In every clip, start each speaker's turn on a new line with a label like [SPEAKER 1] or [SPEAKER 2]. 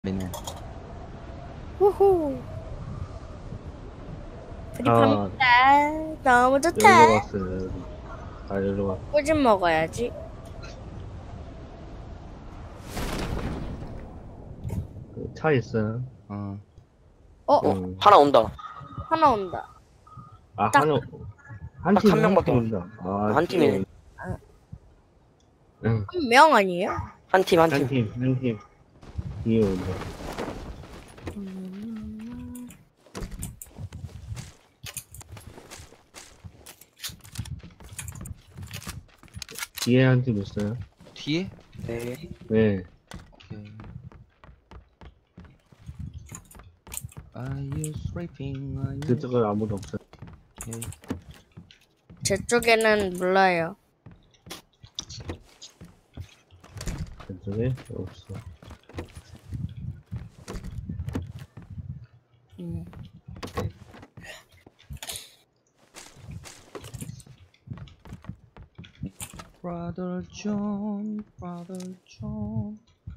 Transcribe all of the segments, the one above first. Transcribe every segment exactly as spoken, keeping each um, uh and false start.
[SPEAKER 1] 우리는.
[SPEAKER 2] 후후. 프리팝니다. 너무
[SPEAKER 3] 여기로
[SPEAKER 2] 좋다.
[SPEAKER 3] 갔어요. 여기. 아, 여기로 갔어.
[SPEAKER 2] 꼬집 먹어야지.
[SPEAKER 3] 그 차 있어요.
[SPEAKER 1] 어.
[SPEAKER 2] 어,
[SPEAKER 4] 어,
[SPEAKER 3] 음.
[SPEAKER 4] 하나 온다.
[SPEAKER 2] 하나 온다.
[SPEAKER 3] 아,
[SPEAKER 2] 딱.
[SPEAKER 3] 한, 한
[SPEAKER 4] 딱
[SPEAKER 3] 팀,
[SPEAKER 4] 한 명밖에
[SPEAKER 3] 팀입니다. 아,
[SPEAKER 4] 한 팀이네.
[SPEAKER 3] 응,
[SPEAKER 2] 한 명 아니에요?
[SPEAKER 4] 한 팀, 한
[SPEAKER 3] 한
[SPEAKER 4] 팀.
[SPEAKER 3] 팀, 한 팀. 뒤에 온다. 뒤에 한 팀 있어요.
[SPEAKER 1] 뒤에?
[SPEAKER 4] 네.
[SPEAKER 3] 네.
[SPEAKER 1] 오케이. Are you sleeping? Are you...
[SPEAKER 3] 그쪽에 아무도 없어요.
[SPEAKER 1] 오케이.
[SPEAKER 2] 제 쪽에는 몰라요.
[SPEAKER 3] 그쪽에 없어.
[SPEAKER 2] 음.
[SPEAKER 1] Brother John, Brother John.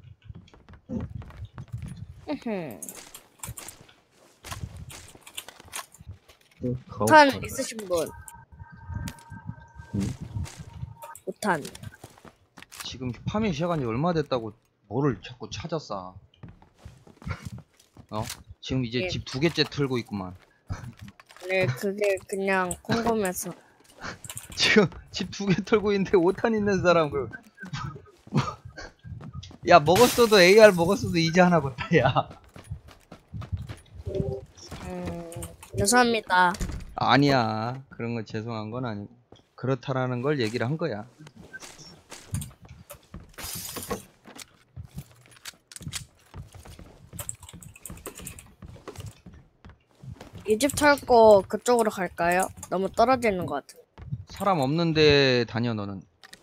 [SPEAKER 2] 으흠.
[SPEAKER 3] 그,
[SPEAKER 2] 오탄
[SPEAKER 3] 가옥
[SPEAKER 2] 있으신 분?
[SPEAKER 3] 음.
[SPEAKER 2] 오탄.
[SPEAKER 1] 지금 파밍 시작한 지 얼마 됐다고 뭐를 자꾸 찾았어? 어? 지금 이제
[SPEAKER 2] 예.
[SPEAKER 1] 집 두 개째 틀고 있구만.
[SPEAKER 2] 네, 그게 그냥 궁금해서.
[SPEAKER 1] 지금 집 두 개 털고 있는데 오탄 있는 사람 그. 야 먹었어도 에이알 먹었어도 이제 하나 봤다 야.
[SPEAKER 2] 음, 죄송합니다.
[SPEAKER 1] 아니야 그런 거 죄송한 건 아니고 그렇다라는 걸 얘기를 한 거야.
[SPEAKER 2] 이 집 털고 그쪽으로 갈까요? 너무 떨어지는 것 같아.
[SPEAKER 1] 사람 없는데 다녀 너는.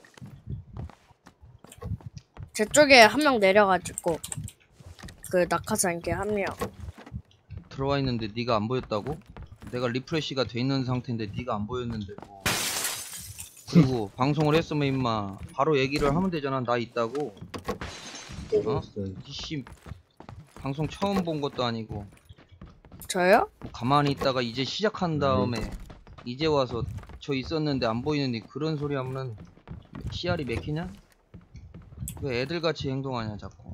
[SPEAKER 2] 제 쪽에 한 명 내려가지고 그 낙하산게 한 명.
[SPEAKER 1] 들어와 있는데 네가 안 보였다고? 내가 리프레시가 돼 있는 상태인데 네가 안 보였는데 뭐. 그리고 방송을 했으면 임마 바로 얘기를 하면 되잖아. 나 있다고. 어?
[SPEAKER 3] 있어요.
[SPEAKER 1] 이씨 방송 처음 본 것도 아니고
[SPEAKER 2] 저요?
[SPEAKER 1] 뭐 가만히 있다가 이제 시작한 다음에 이제 와서 저 있었는데 안 보이는데 그런 소리 하면은 씨알이 맥히냐? 왜 애들같이 행동하냐 자꾸.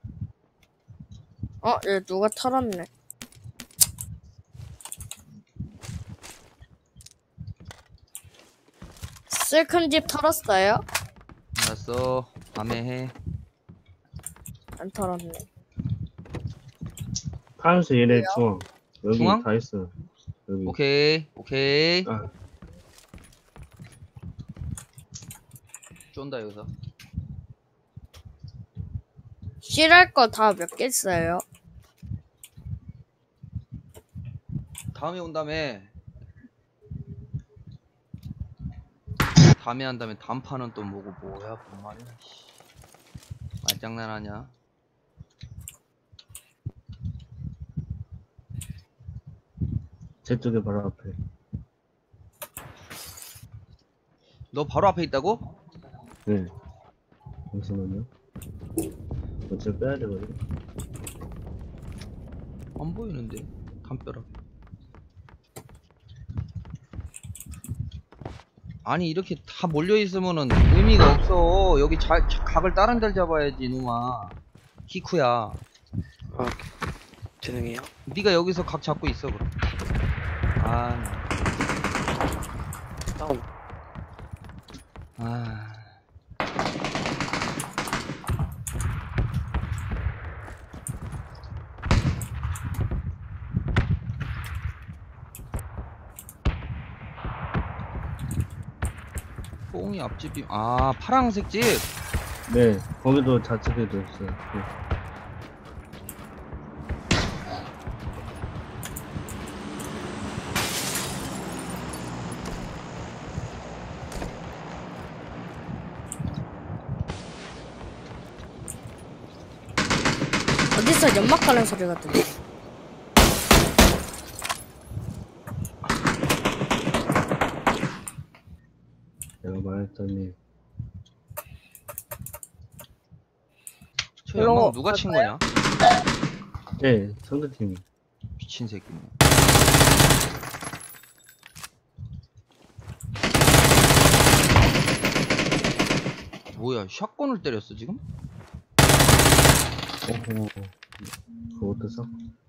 [SPEAKER 2] 어, 얘 누가 털었네. 슬픈 집 털었어요?
[SPEAKER 1] 알았어 밤에 해.
[SPEAKER 2] 안 털었네.
[SPEAKER 3] 파란색 얘네 중앙. 여기
[SPEAKER 1] 중앙?
[SPEAKER 3] 다 있어요. 여기.
[SPEAKER 1] 오케이 오케이.
[SPEAKER 3] 아,
[SPEAKER 1] 쫀다 여기서.
[SPEAKER 2] 실할 거 다 몇 개 있어요?
[SPEAKER 1] 다음에 온 다음에 다음에 한 다음에 단판은 또 뭐고 뭐야 뭔 말이야. 씨. 말장난하냐?
[SPEAKER 3] 제 쪽에 바로 앞에.
[SPEAKER 1] 너 바로 앞에 있다고?
[SPEAKER 3] 네. 잠시만요. 어차피 빼야 되거든.
[SPEAKER 1] 안 보이는데 담벼락. 아니 이렇게 다 몰려 있으면은 의미가 없어. 여기 자, 자- 각을 다른 데를 잡아야지 놈아. 키쿠야.
[SPEAKER 4] 아, 죄송해요.
[SPEAKER 1] 네가 여기서 각 잡고 있어 그럼. 아,
[SPEAKER 4] 다운.
[SPEAKER 1] 아. 뽕이 앞집이 아 파랑색 집.
[SPEAKER 3] 네. 거기도 좌측에도 있어요. 네.
[SPEAKER 2] 어디서 연막 가는 소리가 들려?
[SPEAKER 3] 내가 말했더니
[SPEAKER 1] 저
[SPEAKER 2] 일로
[SPEAKER 1] 연막 누가 친
[SPEAKER 2] 갈까요?
[SPEAKER 1] 거냐?
[SPEAKER 3] 네, 상대팀이.
[SPEAKER 1] 미친 새끼네. 뭐야, 샷건을 때렸어 지금?
[SPEAKER 3] 오호. 그것도 써?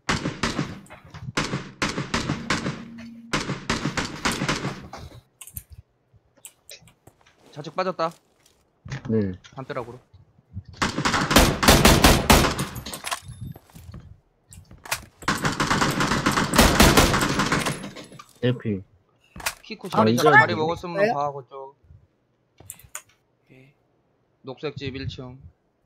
[SPEAKER 1] 좌측 빠졌다.
[SPEAKER 3] 네.
[SPEAKER 1] 담벼락으로.
[SPEAKER 3] 에피.
[SPEAKER 1] 키코
[SPEAKER 3] 아,
[SPEAKER 1] 자리
[SPEAKER 3] 이제
[SPEAKER 1] 자리
[SPEAKER 3] 아니네.
[SPEAKER 1] 먹었으면
[SPEAKER 2] 왜요?
[SPEAKER 1] 봐하고 쪽.
[SPEAKER 4] 오케이.
[SPEAKER 1] 녹색집 일 층.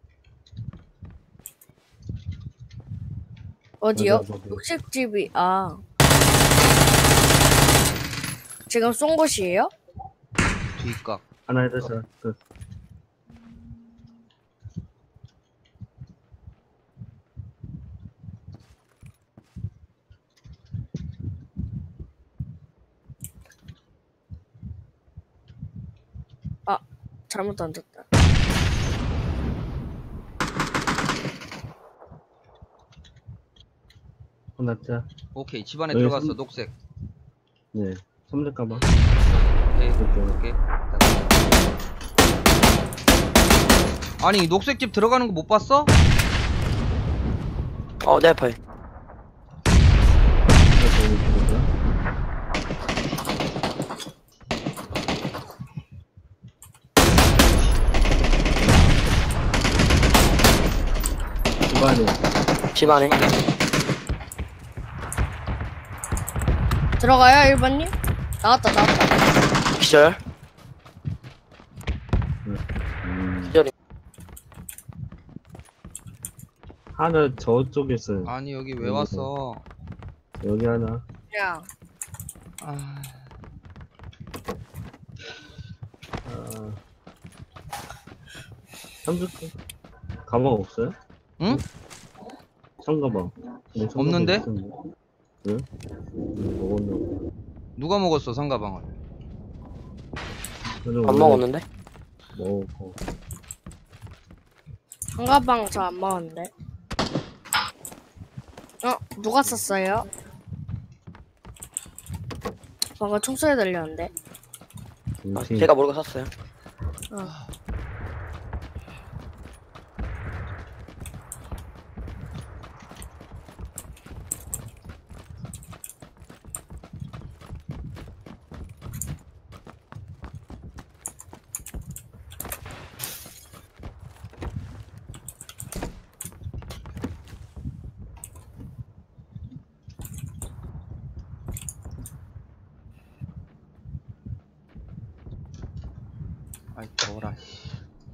[SPEAKER 2] 어디요?
[SPEAKER 3] 맞아, 맞아.
[SPEAKER 2] 녹색집이 아 지금 쏜 곳이에요?
[SPEAKER 1] 뒷각.
[SPEAKER 3] 하나 해서 끝.
[SPEAKER 2] 잘못 던졌다.
[SPEAKER 3] 하나 짜.
[SPEAKER 1] 오케이, 집안에
[SPEAKER 3] 여기
[SPEAKER 1] 들어갔어.
[SPEAKER 3] 삼-
[SPEAKER 1] 녹색.
[SPEAKER 3] 네. 삼렙 가방.
[SPEAKER 1] 오케이.
[SPEAKER 3] 이렇게.
[SPEAKER 1] 오케이. 아니, 녹색집 들어가는 거 못 봤어?
[SPEAKER 4] 어, 내 앞에.
[SPEAKER 3] 하나 더 있거든요. 집안에.
[SPEAKER 4] 집 안에.
[SPEAKER 2] 들어가요 일 번님? 나왔다 나왔다.
[SPEAKER 4] 기절.
[SPEAKER 3] 음.
[SPEAKER 4] 기절이.
[SPEAKER 3] 하나 저쪽에 있어요.
[SPEAKER 1] 아니, 여기 왜
[SPEAKER 3] 여기서.
[SPEAKER 1] 왔어?
[SPEAKER 3] 여기 하나.
[SPEAKER 2] 그냥
[SPEAKER 1] 아,
[SPEAKER 3] 아. 삼십 가방 없어요?
[SPEAKER 1] 응?
[SPEAKER 3] 청가방. 네, 청가방
[SPEAKER 1] 없는데?
[SPEAKER 3] 있었는데. 왜? 음, 먹었나?
[SPEAKER 1] 누가 먹었어, 상가방을?
[SPEAKER 3] 그래도
[SPEAKER 4] 안
[SPEAKER 3] 원래
[SPEAKER 4] 먹었는데?
[SPEAKER 3] 먹어.
[SPEAKER 2] 한가방 저 안 먹었는데. 어 누가 썼어요? 방금 총소리 들렸는데.
[SPEAKER 4] 아,
[SPEAKER 3] 김치.
[SPEAKER 4] 제가 모르고 샀어요.
[SPEAKER 2] 어.
[SPEAKER 1] 아이, 더워라, 씨.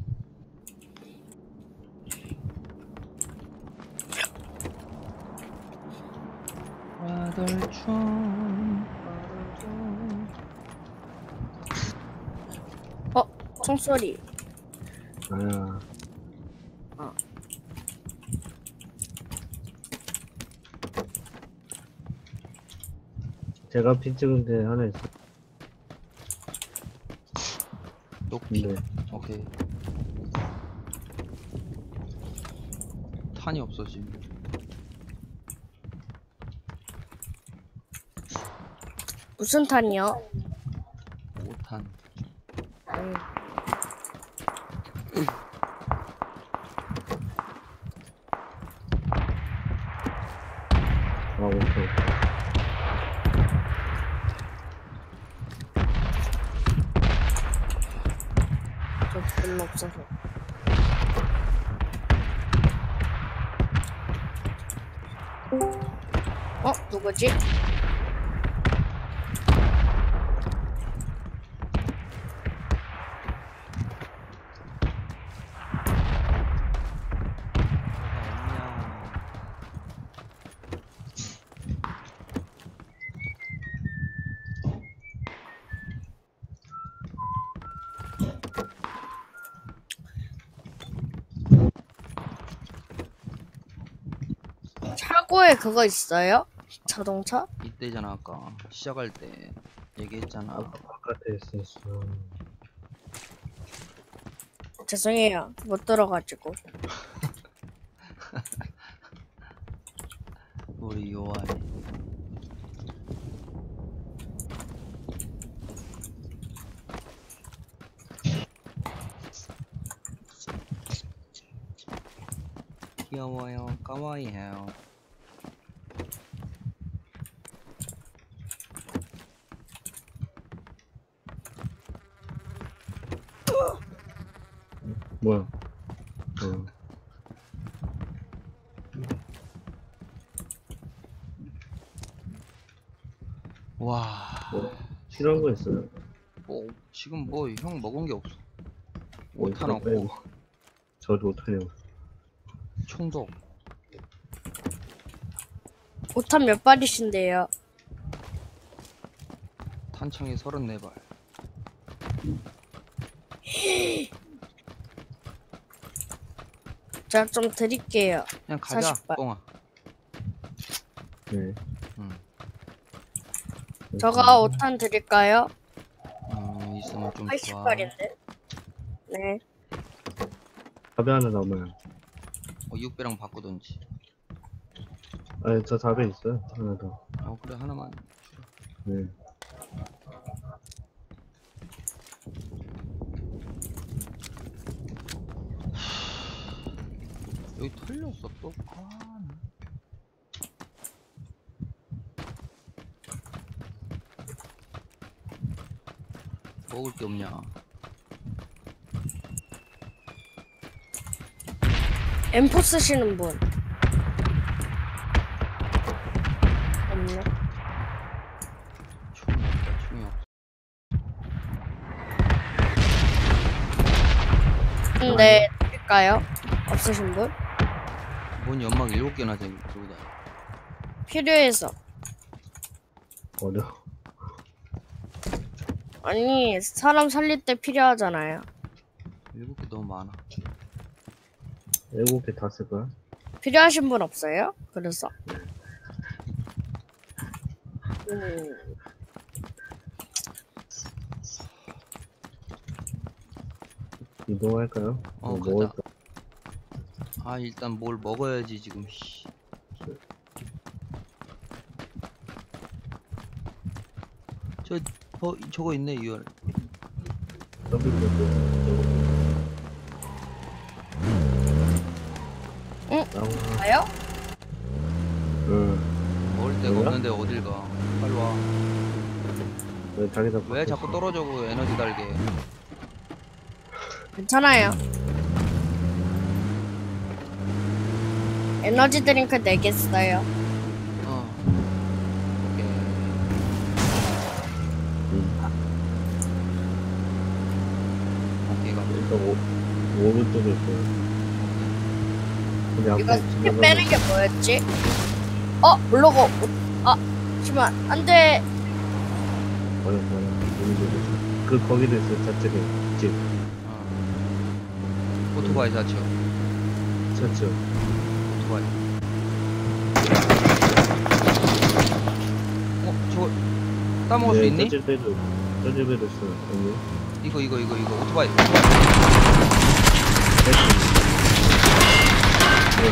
[SPEAKER 1] 와들촌
[SPEAKER 2] 총소리.
[SPEAKER 3] 아야.
[SPEAKER 2] 어.
[SPEAKER 1] 제가
[SPEAKER 3] 피 찍은 데 하나 있어.
[SPEAKER 1] 높이.
[SPEAKER 3] 근데
[SPEAKER 1] 오케이. 탄이 없어 지금.
[SPEAKER 2] 무슨 탄이요?
[SPEAKER 1] 오 탄.
[SPEAKER 2] 음.
[SPEAKER 3] 아, 오케이.
[SPEAKER 2] 저 별로 없어서. 어 누구지? 차고에 그거 있어요? 자동차?
[SPEAKER 1] 이때잖아, 아까 시작할 때 얘기했잖아.
[SPEAKER 3] 아까 바깥에 있었어.
[SPEAKER 2] 죄송해요 못 들어가지고.
[SPEAKER 1] 우리 요아이. 귀여워요. 까와이해요.
[SPEAKER 3] 뭐야? 어.
[SPEAKER 1] 와.
[SPEAKER 3] 뭐, 필요한 거 있어요?
[SPEAKER 1] 뭐 지금 뭐 형 먹은 게 없어.
[SPEAKER 3] 뭐
[SPEAKER 1] 오탄
[SPEAKER 3] 있어?
[SPEAKER 1] 없고
[SPEAKER 3] 빼고. 저도 오탄이요.
[SPEAKER 1] 총도 없고.
[SPEAKER 2] 오탄 몇 발이신데요?
[SPEAKER 1] 탄창이 서른네 발.
[SPEAKER 2] 제가 좀 드릴게요.
[SPEAKER 1] 그냥 가자,
[SPEAKER 2] 사십 발.
[SPEAKER 1] 뻥아.
[SPEAKER 3] 네.
[SPEAKER 1] 응.
[SPEAKER 2] 저가 오탄 드릴까요?
[SPEAKER 1] 어, 있으면 좀
[SPEAKER 2] 팔십
[SPEAKER 1] 좋아.
[SPEAKER 2] 발인데. 네.
[SPEAKER 3] 답이 하나 남아요.
[SPEAKER 1] 어, 육 배랑 바꾸던지.
[SPEAKER 3] 아니, 저 답에 있어요. 하나 더.
[SPEAKER 1] 어, 그래, 하나만.
[SPEAKER 3] 네.
[SPEAKER 1] 여기 털렸어, 또. 아, 나. 먹을 게 없냐.
[SPEAKER 2] 엠포 쓰시는 분. 없네.
[SPEAKER 1] 총이 없다, 총이 없어.
[SPEAKER 2] 근데 드릴까요? 없으신 분?
[SPEAKER 1] 뭔 연막 일곱 개나 들고 다녀.
[SPEAKER 2] 필요해서.
[SPEAKER 3] 어려워.
[SPEAKER 2] 아니, 사람 살릴 때 필요하잖아요.
[SPEAKER 1] 일곱 개 너무 많아.
[SPEAKER 3] 일곱 개 다 쓸 거야?
[SPEAKER 2] 필요하신 분 없어요? 그래서. 음,
[SPEAKER 3] 이동할까요?
[SPEAKER 1] 어,
[SPEAKER 3] 뭐
[SPEAKER 1] 가자.
[SPEAKER 3] 먹을까?
[SPEAKER 1] 아, 일단 뭘 먹어야지, 지금. 씨. 저, 어, 저거 있네, 유알.
[SPEAKER 3] 더블 뭐,
[SPEAKER 2] 응?
[SPEAKER 3] 나와.
[SPEAKER 2] 가요?
[SPEAKER 3] 응.
[SPEAKER 1] 먹을 데가
[SPEAKER 3] 뭐야?
[SPEAKER 1] 없는데 어딜 가. 빨리 와.
[SPEAKER 3] 왜 자기다
[SPEAKER 1] 왜 자꾸 떨어져, 그 에너지 달게.
[SPEAKER 2] 괜찮아요. 에너지 드링크 내겠어요.
[SPEAKER 1] 어. 오케이. 오케이, 가.
[SPEAKER 3] 일단 오, 오른쪽에 있어요. 근데
[SPEAKER 2] 이거
[SPEAKER 3] 앞에
[SPEAKER 2] 스킨
[SPEAKER 3] 지나가면
[SPEAKER 2] 빼는 게 뭐였지? 어, 블로그. 아, 잠시만. 안 돼.
[SPEAKER 3] 버려 버려. 오른쪽에. 그 거기도 있어요. 저쪽에 집.
[SPEAKER 1] 어. 오토바이 사죠.
[SPEAKER 3] 저쪽.
[SPEAKER 1] 오토바이. 어, 저거 따먹을 수 있니?
[SPEAKER 3] 저 집에도 저 집에도 있어요. 여기.
[SPEAKER 1] 이거 이거 이거 이거 오토바이.
[SPEAKER 3] 네.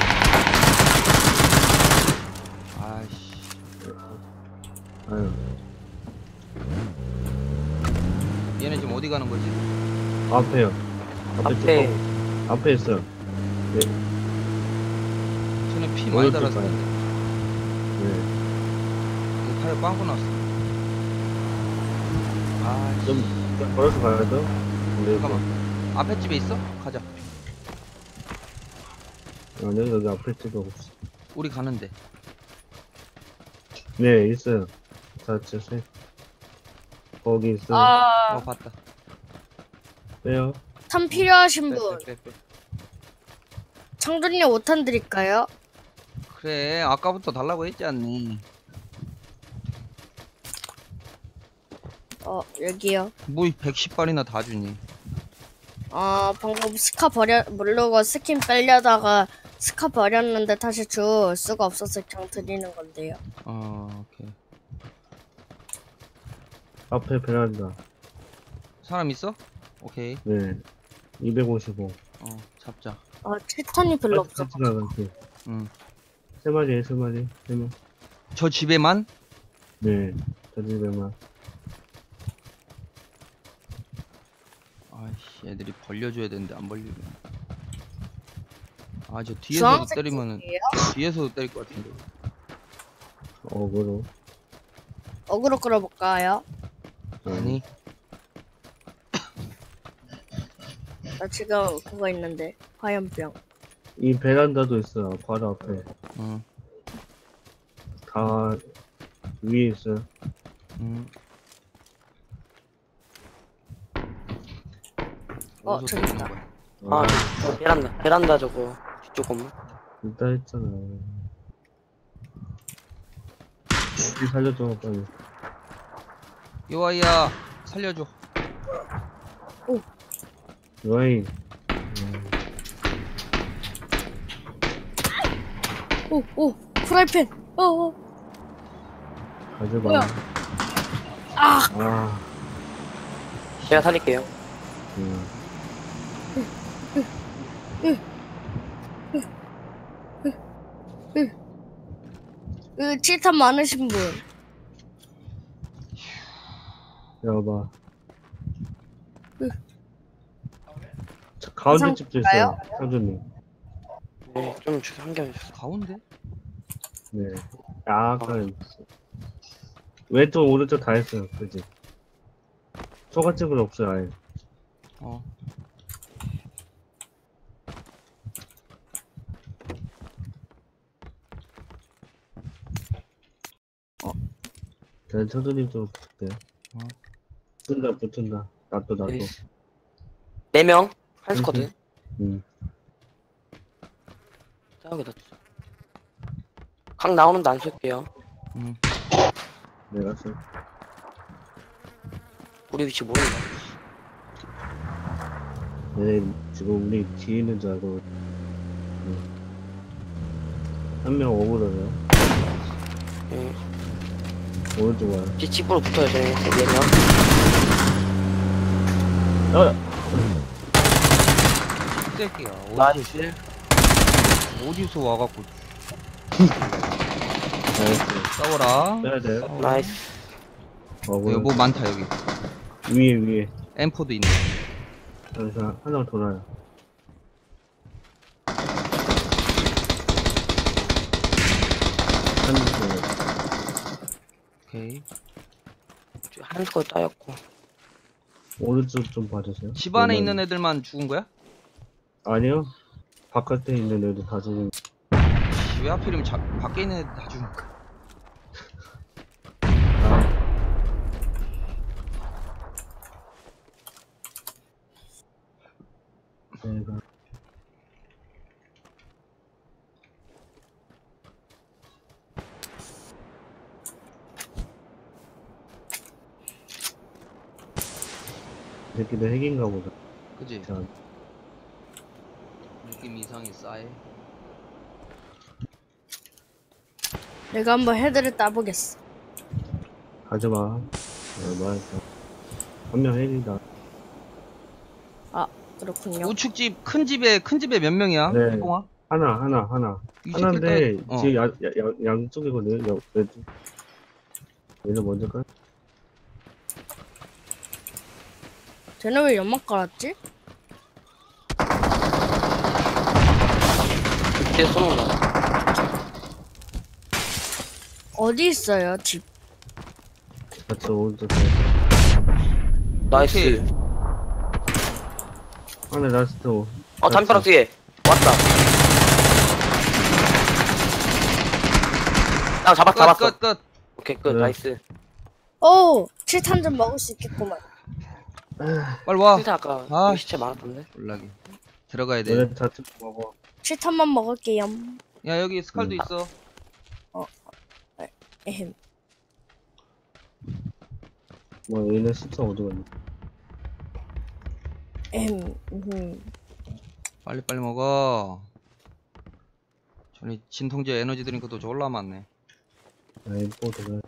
[SPEAKER 1] 아이씨.
[SPEAKER 3] 아유.
[SPEAKER 1] 얘네 지금 어디 가는 거지?
[SPEAKER 3] 앞에요. 앞에.
[SPEAKER 4] 앞에.
[SPEAKER 3] 쪽, 앞에 있어요. 네.
[SPEAKER 1] 쟤네 피 많이
[SPEAKER 3] 오른쪽
[SPEAKER 1] 달았어.
[SPEAKER 3] 가요.
[SPEAKER 1] 근데.
[SPEAKER 3] 네.
[SPEAKER 1] 이거 타이어 빵꾸 났어. 아이씨.
[SPEAKER 3] 좀, 좀 걸어서 가야죠. 네.
[SPEAKER 1] 잠깐만. 앞에 집에 있어? 가자.
[SPEAKER 3] 아니요, 여기 앞에 집에 없어.
[SPEAKER 1] 우리 가는데.
[SPEAKER 3] 네, 있어요. 자, 저 세. 거기 있어요.
[SPEAKER 2] 아,
[SPEAKER 1] 어, 봤다.
[SPEAKER 3] 빼요.
[SPEAKER 2] 탄 필요하신
[SPEAKER 1] 빼,
[SPEAKER 2] 분.
[SPEAKER 1] 빼, 빼, 빼.
[SPEAKER 2] 창준님 오탄 드릴까요?
[SPEAKER 1] 그래, 아까부터 달라고 했지 않니?
[SPEAKER 2] 어, 여기요.
[SPEAKER 1] 뭐 백십 발이나 다 주니?
[SPEAKER 2] 아, 방금 스카 버려, 모르고 스킨 빼려다가 스카 버렸는데 다시 줄 수가 없어서 그냥 드리는 건데요.
[SPEAKER 1] 어, 오케이.
[SPEAKER 3] 앞에 베란다.
[SPEAKER 1] 사람 있어? 오케이.
[SPEAKER 3] 네. 이백오십오.
[SPEAKER 1] 어, 잡자.
[SPEAKER 2] 아, 칠탄이 별로 없어.
[SPEAKER 3] 같이 나갈게.
[SPEAKER 1] 응.
[SPEAKER 3] 세 마리에 세 마리. 세 명.
[SPEAKER 1] 저 집에만?
[SPEAKER 3] 네. 저 집에만.
[SPEAKER 1] 아이씨, 애들이 벌려줘야 되는데 안 벌리네. 아, 저 뒤에서
[SPEAKER 2] 주황색
[SPEAKER 1] 때리면은
[SPEAKER 2] 집이에요?
[SPEAKER 1] 뒤에서도 때릴 것 같은데.
[SPEAKER 3] 어그로.
[SPEAKER 2] 어그로 끌어볼까요?
[SPEAKER 1] 아니,
[SPEAKER 2] 나 지금 그거 있는데 화염병.
[SPEAKER 3] 이 베란다도 있어요. 바로 앞에.
[SPEAKER 1] 응,
[SPEAKER 3] 다 위에 있어요.
[SPEAKER 1] 응.
[SPEAKER 2] 어,
[SPEAKER 1] 어디서
[SPEAKER 2] 저기
[SPEAKER 1] 때리는
[SPEAKER 2] 있다.
[SPEAKER 1] 거야?
[SPEAKER 4] 아, 저 베란다, 베란다 저거. 뒤쪽 건물.
[SPEAKER 3] 일단 했잖아. 이 살려줘, 빨리.
[SPEAKER 1] 요아이야, 살려줘.
[SPEAKER 3] 요아이.
[SPEAKER 2] 오, 오, 프라이팬. 어, 어.
[SPEAKER 3] 가져봐.
[SPEAKER 2] 뭐야? 아,
[SPEAKER 3] 아,
[SPEAKER 4] 제가 살릴게요.
[SPEAKER 3] 음.
[SPEAKER 2] 그 칠탄 많으신 분.
[SPEAKER 3] 여봐. 저 가운데
[SPEAKER 2] 이상
[SPEAKER 3] 집도 있어요. 상준님.
[SPEAKER 4] 네, 좀 주소 한 개만 주세요.
[SPEAKER 1] 가운데?
[SPEAKER 3] 네. 약간. 왼쪽, 오른쪽 다 했어요. 그지? 초가집은 없어요, 아예.
[SPEAKER 1] 어.
[SPEAKER 3] 저는 상준님 좀 붙을게요.
[SPEAKER 1] 어.
[SPEAKER 3] 붙는다, 붙는다. 나도, 나도.
[SPEAKER 4] 네. 네 명? 한 스쿼드.
[SPEAKER 3] 음.
[SPEAKER 4] 저기다. 각 나오는데 안 쏠게요.
[SPEAKER 1] 응.
[SPEAKER 3] 내가 써.
[SPEAKER 4] 우리 위치 모른다.
[SPEAKER 3] 네, 지금 우리 뒤에 있는 줄 알고. 한 명 오그러요.
[SPEAKER 4] 예.
[SPEAKER 3] 오른쪽 와요.
[SPEAKER 4] 집, 집으로 붙어요, 저희. 네 명.
[SPEAKER 3] 어!
[SPEAKER 1] 새끼야.
[SPEAKER 4] 나이스.
[SPEAKER 1] 어디서, 어디서 와갖고
[SPEAKER 3] 나이스.
[SPEAKER 1] 싸워라.
[SPEAKER 3] 빼야 돼.
[SPEAKER 1] 싸워라.
[SPEAKER 4] 나이스.
[SPEAKER 3] 어그러.
[SPEAKER 1] 여기 뭐 많다 여기.
[SPEAKER 3] 위에, 위에.
[SPEAKER 1] 엠포도 있네.
[SPEAKER 3] 여기서 하나 돌아요. 한 명.
[SPEAKER 1] 오케이.
[SPEAKER 4] 한 스쿼드 따였고.
[SPEAKER 3] 오른쪽 좀 봐주세요.
[SPEAKER 1] 집 안에
[SPEAKER 3] 네
[SPEAKER 1] 있는
[SPEAKER 3] 명.
[SPEAKER 1] 애들만 죽은 거야?
[SPEAKER 3] 아니요. 바깥에 있는 애들 다 죽은.
[SPEAKER 1] 씨, 왜 하필이면 자, 밖에 있는 애들 다 죽은 거야?
[SPEAKER 3] 내가. 이 새끼들 핵인가 보다.
[SPEAKER 1] 그지?
[SPEAKER 3] 자,
[SPEAKER 1] 느낌 이상이 싸해.
[SPEAKER 2] 내가 한번 헤드를 따보겠어.
[SPEAKER 3] 가져봐. 얼마 했어. 한 명 핵이다.
[SPEAKER 2] 그렇군요.
[SPEAKER 1] 우측집 큰 집에 큰 집에 몇 명이야?
[SPEAKER 3] 네.
[SPEAKER 1] 뽕아?
[SPEAKER 3] 하나, 하나, 하나.
[SPEAKER 1] 이
[SPEAKER 3] 하나인데,
[SPEAKER 1] 새끼들 다- 어.
[SPEAKER 3] 지금 야, 야, 야, 양쪽이거든요. 야, 왼쪽. 얘는 먼저 깔?
[SPEAKER 2] 쟤네 왜 연막 깔았지?
[SPEAKER 4] 뒤에 쏘는 거.
[SPEAKER 2] 어디 있어요, 집?
[SPEAKER 3] 같이 오른쪽.
[SPEAKER 4] 나이스.
[SPEAKER 1] 오케이.
[SPEAKER 3] 하나 라스트. 오.
[SPEAKER 4] 어, 담벼락 뒤에. 왔다. 아, 잡았,
[SPEAKER 1] 끝,
[SPEAKER 4] 잡았어.
[SPEAKER 1] 끝, 끝.
[SPEAKER 4] 오케이, 끝.
[SPEAKER 3] 네.
[SPEAKER 4] 나이스.
[SPEAKER 2] 오! 칠탄 좀 먹을 수 있겠구만.
[SPEAKER 1] 빨리 와.
[SPEAKER 4] 진짜 아까
[SPEAKER 1] 아.
[SPEAKER 4] 여기 시체 많았던데.
[SPEAKER 1] 올라기. 들어가야 돼.
[SPEAKER 3] 얘네 다 찍고 먹어.
[SPEAKER 2] 칠탄만 먹을게요.
[SPEAKER 1] 야 여기 스칼도
[SPEAKER 3] 음.
[SPEAKER 1] 있어.
[SPEAKER 2] 에헴.
[SPEAKER 3] 뭐, 얘네 십사 어디 갔니?
[SPEAKER 2] 에헴. 음.
[SPEAKER 1] 빨리 빨리 먹어. 저기 진통제 에너지 드링크도 졸라 많네.
[SPEAKER 3] 아, 엠포 들어.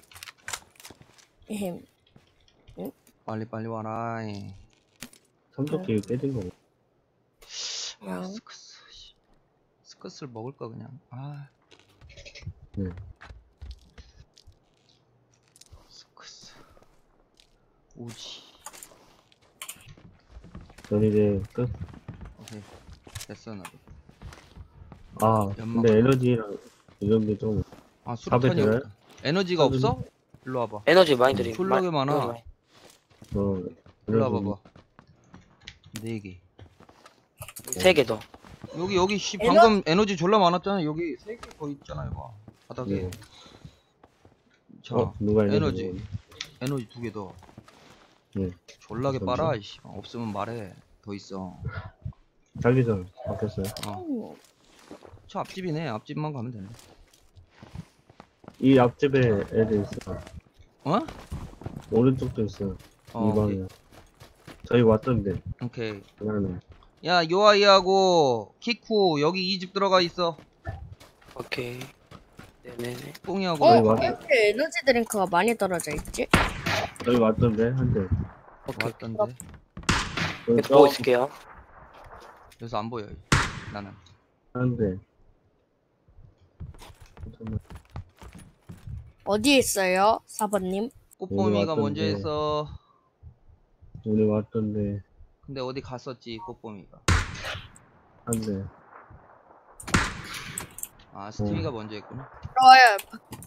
[SPEAKER 2] 에헴.
[SPEAKER 1] 빨리 빨리 와라. 이.
[SPEAKER 3] 삼도끼 깨진 거.
[SPEAKER 1] 아,
[SPEAKER 2] 야.
[SPEAKER 1] 스커스. 씨. 스커스를 먹을까 그냥. 아.
[SPEAKER 3] 네.
[SPEAKER 1] 스크스. 우지.
[SPEAKER 3] 전 이제 끝.
[SPEAKER 1] 오케이. 됐어, 나도.
[SPEAKER 3] 아,
[SPEAKER 1] 연막.
[SPEAKER 3] 근데 에너지랑 이런 게 좀,
[SPEAKER 1] 아,
[SPEAKER 3] 밥에
[SPEAKER 1] 수류탄이
[SPEAKER 3] 들어요?
[SPEAKER 1] 없다. 에너지가
[SPEAKER 3] 밥은-
[SPEAKER 1] 없어? 일로 와봐.
[SPEAKER 4] 에너지 많이 드림.
[SPEAKER 1] 졸라게
[SPEAKER 4] 마-
[SPEAKER 1] 많아.
[SPEAKER 4] 에너지 많이.
[SPEAKER 3] 어,
[SPEAKER 1] 일로
[SPEAKER 3] 에너지.
[SPEAKER 1] 와봐봐. 네 개.
[SPEAKER 4] 세 개 더.
[SPEAKER 1] 여기, 여기, 씨,
[SPEAKER 2] 에너-
[SPEAKER 1] 방금 에너지 졸라 많았잖아. 여기 세 개 더 있잖아, 이거. 바닥에.
[SPEAKER 3] 네.
[SPEAKER 1] 자,
[SPEAKER 3] 어, 누가 에너지.
[SPEAKER 1] 에너지.
[SPEAKER 3] 먹었네.
[SPEAKER 1] 에너지 두 개 더.
[SPEAKER 3] 네.
[SPEAKER 1] 졸라게
[SPEAKER 3] 잠시만.
[SPEAKER 1] 빨아, 이씨. 없으면 말해. 더 있어.
[SPEAKER 3] 자기 전 바뀌었어요.
[SPEAKER 1] 어.
[SPEAKER 2] 음,
[SPEAKER 1] 저 앞집이네. 앞집만 가면 되네.
[SPEAKER 3] 이 앞집에 애들 있어요.
[SPEAKER 1] 어?
[SPEAKER 3] 오른쪽도 있어요.
[SPEAKER 1] 어,
[SPEAKER 3] 이 방에. 저희 왔던데.
[SPEAKER 1] 오케이.
[SPEAKER 3] 그날은.
[SPEAKER 1] 야, 요아이하고 키쿠 여기 이 집 들어가 있어.
[SPEAKER 4] 오케이. 네네네.
[SPEAKER 1] 뽕이하고.
[SPEAKER 2] 어?
[SPEAKER 3] 저희
[SPEAKER 1] 너가
[SPEAKER 3] 왔,
[SPEAKER 2] 왜 이렇게 에너지 드링크가 많이 떨어져 있지?
[SPEAKER 3] 저희 왔던데, 한 대.
[SPEAKER 4] 오케이.
[SPEAKER 1] 왔던데.
[SPEAKER 3] 저희
[SPEAKER 4] 계속 보고 있을게요.
[SPEAKER 1] 그래서 안 보여. 나는.
[SPEAKER 3] 한 대. 잠깐만.
[SPEAKER 2] 어디에 있어요? 사 번님?
[SPEAKER 1] 꽃보미가
[SPEAKER 3] 왔던데.
[SPEAKER 1] 먼저 했어.
[SPEAKER 3] 우리 왔던데,
[SPEAKER 1] 근데 어디 갔었지, 꽃보미가.
[SPEAKER 3] 한 대.
[SPEAKER 1] 아, 스티비가 먼저 했구나.
[SPEAKER 2] 들어와요.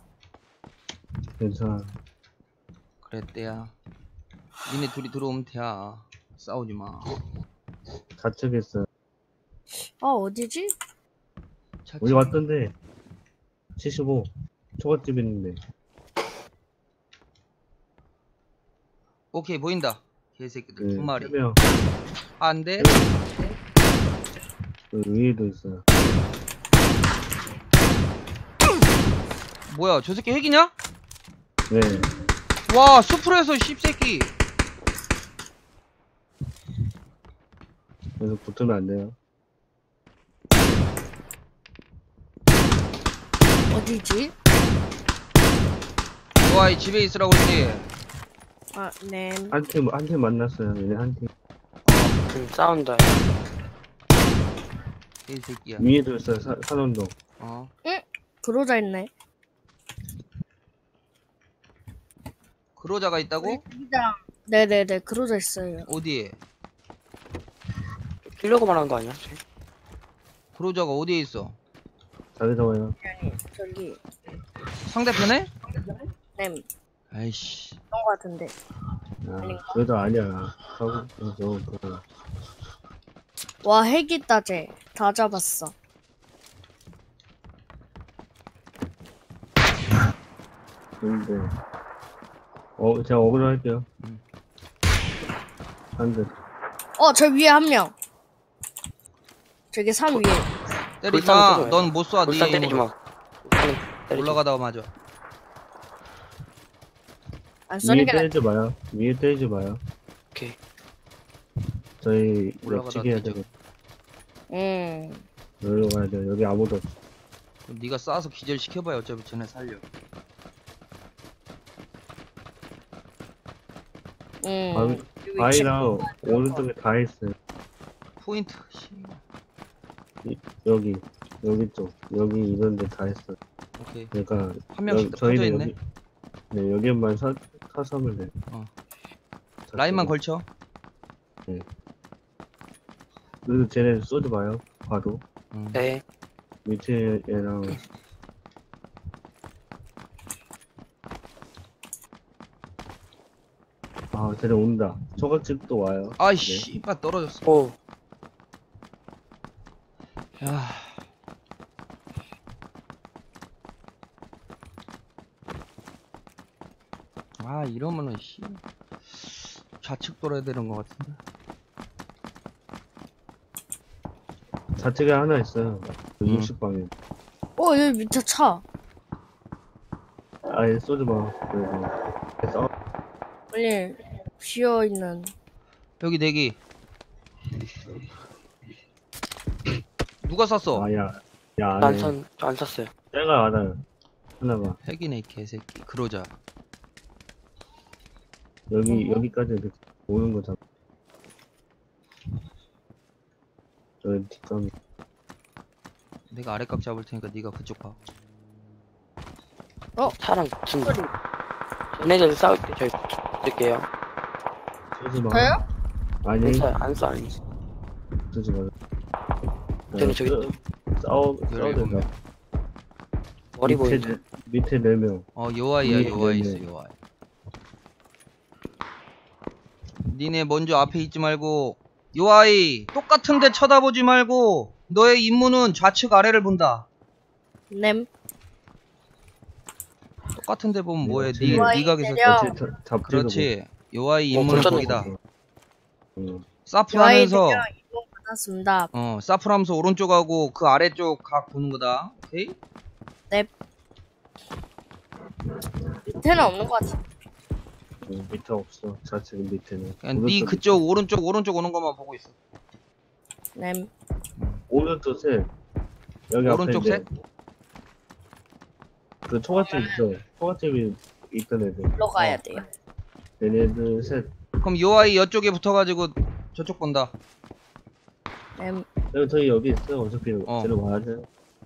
[SPEAKER 3] 괜찮아.
[SPEAKER 1] 그랬대야. 니네 둘이 들어오면 돼야. 싸우지 마.
[SPEAKER 3] 좌측에 있어요.
[SPEAKER 2] 아, 어디지?
[SPEAKER 1] 차차.
[SPEAKER 3] 우리 왔던데, 칠십오. 초밥집 있는데.
[SPEAKER 1] 오케이, 보인다. 개새끼들
[SPEAKER 3] 그,
[SPEAKER 1] 두 마리.
[SPEAKER 3] 세 명.
[SPEAKER 1] 안 돼?
[SPEAKER 3] 그 위에도 있어요.
[SPEAKER 1] 뭐야, 저 새끼 핵이냐?
[SPEAKER 3] 네.
[SPEAKER 1] 와, 수프로에서 씹새끼.
[SPEAKER 3] 그래서 붙으면 안 돼요.
[SPEAKER 2] 어디지?
[SPEAKER 1] 요아이 집에 있으라고 했지.
[SPEAKER 2] 아, 네.
[SPEAKER 3] 한 팀, 한 팀 만났어요. 얘네 한 팀.
[SPEAKER 4] 음, 싸운다.
[SPEAKER 1] 개새끼야.
[SPEAKER 3] 위에도 있어요. 사, 산원동.
[SPEAKER 1] 어.
[SPEAKER 2] 그러자 있네.
[SPEAKER 1] 그로자가 있다고?
[SPEAKER 2] 여기랑 네네네, 그러자 있어요.
[SPEAKER 1] 어디에?
[SPEAKER 4] 키려고 말한 거 아니야? 쟤?
[SPEAKER 1] 그로자가 어디에 있어?
[SPEAKER 3] 자기 잡아요.
[SPEAKER 2] 아니, 저기,
[SPEAKER 1] 상대편에?
[SPEAKER 2] 네, 그런
[SPEAKER 1] 아이씨.
[SPEAKER 2] 거 같은데.
[SPEAKER 3] 아, 그래도 아니야. 하고, 그래서, 그,
[SPEAKER 2] 와, 핵 있다, 쟤. 다 잡았어.
[SPEAKER 3] 근데, 어, 제가 어그로 할게요.
[SPEAKER 1] 음.
[SPEAKER 3] 한 대.
[SPEAKER 2] 어, 저 위에 한 명. 저기 산 위에.
[SPEAKER 1] 때리지
[SPEAKER 4] 불타는
[SPEAKER 1] 마.
[SPEAKER 4] 소리야.
[SPEAKER 1] 넌 못 쏴.
[SPEAKER 4] 불산
[SPEAKER 1] 네
[SPEAKER 4] 때리지
[SPEAKER 1] 힘으로.
[SPEAKER 4] 마. 불산 때리지 마.
[SPEAKER 1] 올라가다가 맞아.
[SPEAKER 2] 안
[SPEAKER 3] 위에
[SPEAKER 2] 쏘는 게 낫.
[SPEAKER 3] 때리지 마요. 위에 때리지 마요.
[SPEAKER 4] 오케이.
[SPEAKER 3] 저희
[SPEAKER 1] 올라가다
[SPEAKER 3] 옆치기 해야
[SPEAKER 1] 뒤져.
[SPEAKER 3] 되고,
[SPEAKER 2] 음.
[SPEAKER 3] 여기로 가야 돼요. 여기 아무도 없어.
[SPEAKER 1] 그럼 네가 쏴서 기절 시켜봐야 어차피 쟤네 살려.
[SPEAKER 2] 음.
[SPEAKER 3] 바위,
[SPEAKER 2] 여기
[SPEAKER 3] 바위랑 오른쪽에 다 있어요.
[SPEAKER 1] 포인트. 씨.
[SPEAKER 3] 여기, 여기 쪽, 여기 이런 데 다 있어요.
[SPEAKER 1] 오케이.
[SPEAKER 3] 그러니까,
[SPEAKER 1] 한 명씩
[SPEAKER 3] 여-
[SPEAKER 1] 다 퍼져
[SPEAKER 3] 저희는
[SPEAKER 1] 있네.
[SPEAKER 3] 여기, 네, 여기만 사, 사서면 돼요.
[SPEAKER 1] 어. 라인만 걸쳐.
[SPEAKER 3] 그래도 쟤네 쏘지 마요. 바로.
[SPEAKER 1] 응.
[SPEAKER 4] 네.
[SPEAKER 3] 밑에 얘랑 아 쟤네 온다. 초밥집도 와요.
[SPEAKER 1] 아이씨, 이빠 떨어졌어.
[SPEAKER 4] 오.
[SPEAKER 1] 야. 아, 이러면은 씨. 좌측 돌아야 되는 것 같은데.
[SPEAKER 3] 좌측에 하나 있어요. 그
[SPEAKER 1] 음.
[SPEAKER 3] 육십 방에.
[SPEAKER 2] 어, 여기 밑에 차.
[SPEAKER 3] 아예 쏘지 마. 그래도 그래서
[SPEAKER 2] 아니, 비어있는.
[SPEAKER 1] 여기 내기. 누가 쐈어?
[SPEAKER 3] 아야 야
[SPEAKER 4] 안
[SPEAKER 3] 안에
[SPEAKER 4] 선, 안 샀어요.
[SPEAKER 3] 쟤가 알아요. 하나가
[SPEAKER 1] 핵이네, 이 개새끼. 그러자.
[SPEAKER 3] 여기 여기까지 이렇게 오는 거잖아. 저 뒷감
[SPEAKER 1] 내가 아래각 잡을 테니까 네가 그쪽 봐.
[SPEAKER 2] 어?
[SPEAKER 4] 차랑 붙은다. 쟤네들 싸울 때 저희 붙을게요.
[SPEAKER 3] 쏘지 마.
[SPEAKER 2] 저요?
[SPEAKER 3] 아니,
[SPEAKER 4] 괜찮아요. 안 쏴, 아니.
[SPEAKER 3] 쏘지 마.
[SPEAKER 4] 쟤네 저기
[SPEAKER 3] 어, 싸워, 싸워야
[SPEAKER 1] 열일곱
[SPEAKER 3] 된다.
[SPEAKER 1] 명.
[SPEAKER 4] 머리
[SPEAKER 3] 밑에
[SPEAKER 4] 보인다.
[SPEAKER 3] 네- 밑에 네 명.
[SPEAKER 1] 어 요아이야
[SPEAKER 3] 네,
[SPEAKER 1] 요아이
[SPEAKER 3] 네,
[SPEAKER 1] 있어
[SPEAKER 3] 네.
[SPEAKER 1] 요아이. 니네 먼저 앞에 있지 말고 요아이 똑같은데 쳐다보지 말고 너의 임무는 좌측 아래를 본다.
[SPEAKER 2] 냄.
[SPEAKER 1] 똑같은데 보면
[SPEAKER 3] 네,
[SPEAKER 1] 뭐해?
[SPEAKER 3] 어째-
[SPEAKER 1] 니
[SPEAKER 2] 요아이
[SPEAKER 1] 니가 계속
[SPEAKER 2] 내려.
[SPEAKER 3] 어째 자- 잡지도
[SPEAKER 1] 그렇지. 요아이
[SPEAKER 4] 어,
[SPEAKER 1] 임무는
[SPEAKER 4] 벌써
[SPEAKER 1] 거기다.
[SPEAKER 3] 응.
[SPEAKER 1] 사프하면서
[SPEAKER 2] 요아이들이랑 이동 받았습니다.
[SPEAKER 1] 어 사프하면서 오른쪽하고 그 아래쪽 각 보는 거다. 오케이?
[SPEAKER 2] 밑에는 없는 것 같아.
[SPEAKER 3] 응, 밑에 없어. 좌측 밑에는.
[SPEAKER 1] 그냥 니
[SPEAKER 3] 오른쪽
[SPEAKER 1] 그쪽 오른쪽 오른쪽 오는 것만 보고 있어.
[SPEAKER 2] 냄.
[SPEAKER 3] 오른쪽 셋. 여기
[SPEAKER 1] 오른쪽
[SPEAKER 3] 앞에
[SPEAKER 1] 셋?
[SPEAKER 3] 이제 그 초가집 있어. 초가집이 있던 애들.
[SPEAKER 2] 일로 가야
[SPEAKER 1] 어.
[SPEAKER 2] 돼요.
[SPEAKER 3] 얘네들 셋.
[SPEAKER 1] 그럼 요아이 이쪽에 붙어가지고 저쪽 본다.
[SPEAKER 2] 냄.
[SPEAKER 3] 여기 저희 여기 있어. 어차피
[SPEAKER 1] 어.
[SPEAKER 3] 쟤는 와야 돼.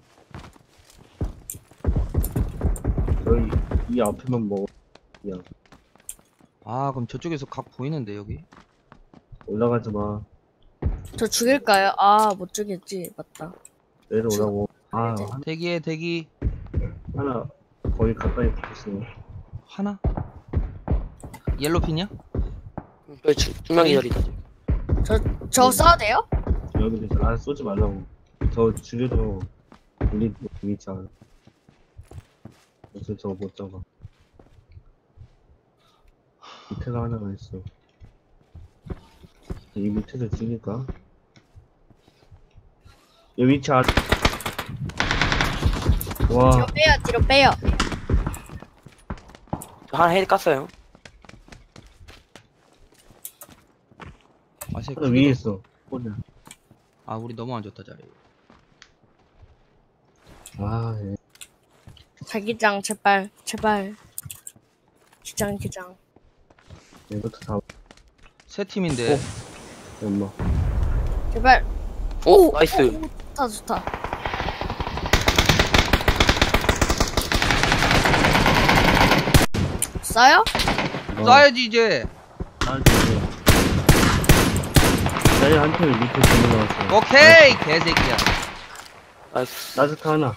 [SPEAKER 3] 저희 이 앞에만 먹어. 그냥
[SPEAKER 1] 아 그럼 저쪽에서 각 보이는데 여기?
[SPEAKER 3] 올라가지 마.
[SPEAKER 2] 저 죽일까요? 아, 못 죽였지. 맞다.
[SPEAKER 3] 내려오라고. 아 한-
[SPEAKER 1] 대기해 대기.
[SPEAKER 3] 하나 거의 가까이 붙었어.
[SPEAKER 1] 하나? 옐로핀이야?
[SPEAKER 4] 저희 두, 두 명이 저리다. 지금.
[SPEAKER 2] 저 싸워도 돼요?
[SPEAKER 3] 여기도 있어. 아 쏘지 말라고. 저 죽여도 우리 위치 않아. 그래서 저거 못 잡아. 밑에가 하나가 있어. 이 밑에서 죽일까? 여기 위치 아.
[SPEAKER 2] 뒤로
[SPEAKER 3] 와,
[SPEAKER 2] 빼요, 뒤로 빼요.
[SPEAKER 4] 저 하나 헤드 깠어요.
[SPEAKER 1] 아, 새
[SPEAKER 3] 하나 위에 있어. 혼자.
[SPEAKER 1] 아 우리 너무 안 좋다 자리.
[SPEAKER 3] 아, 예.
[SPEAKER 2] 자기장, 제발, 제발. 기장, 기장.
[SPEAKER 3] 이것도 다.
[SPEAKER 1] 세 팀인데.
[SPEAKER 3] 어. 엄마.
[SPEAKER 2] 제발.
[SPEAKER 4] 오! 나이스.
[SPEAKER 2] 오, 좋다, 좋다. 싸요?
[SPEAKER 1] 쏴야지 이제.
[SPEAKER 3] 나한테. 나의 한 팀이 밑에 들어 나왔어.
[SPEAKER 1] 오케이 개새끼야.
[SPEAKER 4] 나이스.
[SPEAKER 3] 나스카 하나.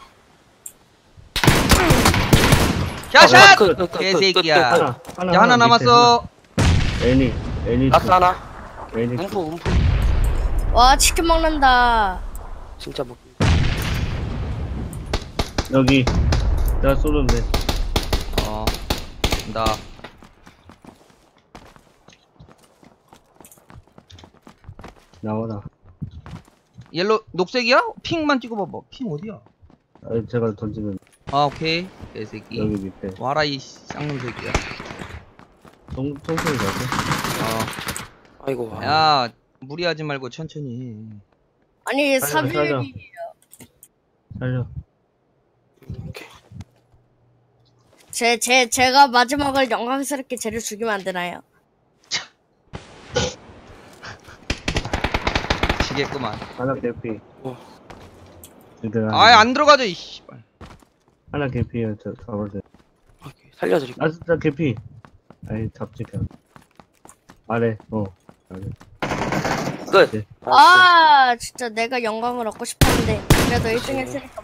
[SPEAKER 1] 샷샷.
[SPEAKER 4] 끝, 끝, 끝, 끝,
[SPEAKER 1] 개새끼야.
[SPEAKER 4] 끝, 끝.
[SPEAKER 3] 하나. 하나.
[SPEAKER 1] 야 하나
[SPEAKER 3] 밑에
[SPEAKER 1] 남았어.
[SPEAKER 3] 하나. 애니. 애니.
[SPEAKER 4] 나스 하나.
[SPEAKER 3] 애니.
[SPEAKER 4] 움프, 움프.
[SPEAKER 2] 와, 치킨 먹는다.
[SPEAKER 4] 진짜 뭐.
[SPEAKER 3] 여기. 내가 쏘는데.
[SPEAKER 1] 어. 나.
[SPEAKER 3] 나와라.
[SPEAKER 1] 옐로 녹색이야? 핑만 찍어봐봐. 핑 어디야?
[SPEAKER 3] 아, 제가 던지면
[SPEAKER 1] 아 오케이 개새끼.
[SPEAKER 3] 여기 밑에.
[SPEAKER 1] 와라 이 쌍놈 새끼야.
[SPEAKER 3] 통, 통통이 가죠?
[SPEAKER 4] 아이고. 와.
[SPEAKER 1] 야 무리하지 말고 천천히 해.
[SPEAKER 2] 아니,
[SPEAKER 3] 살려, 살려.
[SPEAKER 2] 사비율이.
[SPEAKER 3] 살려.
[SPEAKER 4] 오케이.
[SPEAKER 2] 제, 제, 제가 마지막을 영광스럽게 쟤를 죽이면 안 되나요?
[SPEAKER 1] 지겠구만.
[SPEAKER 3] 하나 개피.
[SPEAKER 4] 어.
[SPEAKER 3] 얘들아.
[SPEAKER 1] 아이 안 들어가져 이 씨발.
[SPEAKER 3] 하나 개피야. 저 잡을 때.
[SPEAKER 4] 오케이. 살려드릴게요.
[SPEAKER 3] 아, 진짜 개피. 아이, 잡지, 그냥. 아래, 어. 아래.
[SPEAKER 4] 끝.
[SPEAKER 3] 네.
[SPEAKER 4] 나이스.
[SPEAKER 2] 아, 진짜 내가 영광을 얻고 싶었는데. 그래도 일 등 했으니까